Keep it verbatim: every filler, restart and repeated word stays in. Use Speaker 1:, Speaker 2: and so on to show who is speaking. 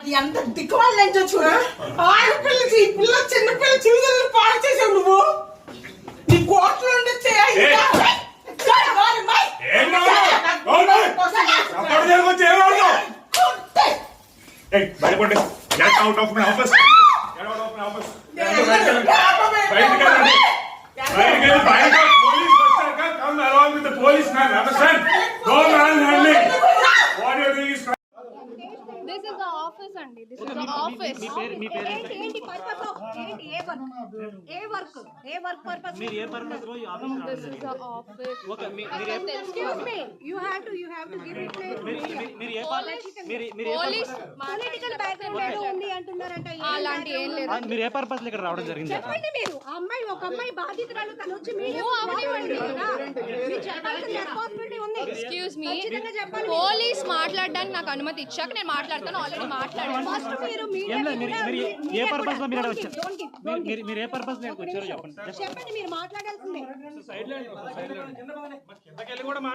Speaker 1: ఎంత దిక్కుమాల నుంచి చూడు ఆడపిల్ల ఈ పిల్ల చిన్న పిల్ల చిన్న పాడు చేసావు నువ్వు నీ కోట్లు ఉండొచ్చే
Speaker 2: out of my office. Get out of my office. Police officer, come along with the policeman. Understand? Don't manhandling. What you are doing is.
Speaker 3: This is the office, Andy. This is the office.
Speaker 4: ఏంటి ఏంటి purpose ఏంటి ఏ work ఏ work ఏ work purpose
Speaker 5: మీరు ఏ purpose లో ఈ office
Speaker 3: This is the office.
Speaker 5: Okay మీరు
Speaker 4: excuse me you have to you have to give reply
Speaker 5: మీరు ఏ పర్పస్ మీరు మీరు ఏ
Speaker 3: పోలీస్
Speaker 4: పొలిటికల్ బ్యాక్గ్రౌండ్ ఏదో ఉంది అంటున్నారంట
Speaker 3: అలాంటి ఏం లేదు.
Speaker 5: మీరు ఏ పర్పస్ లో ఇక్కడ రావడం జరిగింది
Speaker 4: చెప్పండి మీరు ఆ అమ్మాయి ఒక అమ్మాయి బాధితురాలు తను వచ్చి మీడియా చెప్పాల్సిన రెస్పాన్సిబిలిటీ ఉంది.
Speaker 3: ఎక్స్క్యూజ్ మీ
Speaker 4: ఖచ్చితంగా చెప్పాలి.
Speaker 3: పోలీస్ మాట్లాడడానికి నాకు అనుమతి ఇచ్చాక నేను మాట్లాడతాను. ఆల్రెడీ మాట్లాడాను.
Speaker 4: ఫస్ట్ మీరు
Speaker 5: ఏం లేదు మీరు మీరు ఏ పర్పస్ లో మీరు వచ్చారు
Speaker 4: Don't give, don't give.
Speaker 5: మీరు మీరు ఏ పర్పస్ లో వచ్చారో చెప్పండి
Speaker 4: చెప్పండి మీరు మాట్లాడాల్సిందే
Speaker 5: సైడ్ లో సైడ్ లో కిందకి వెళ్ళి కూడా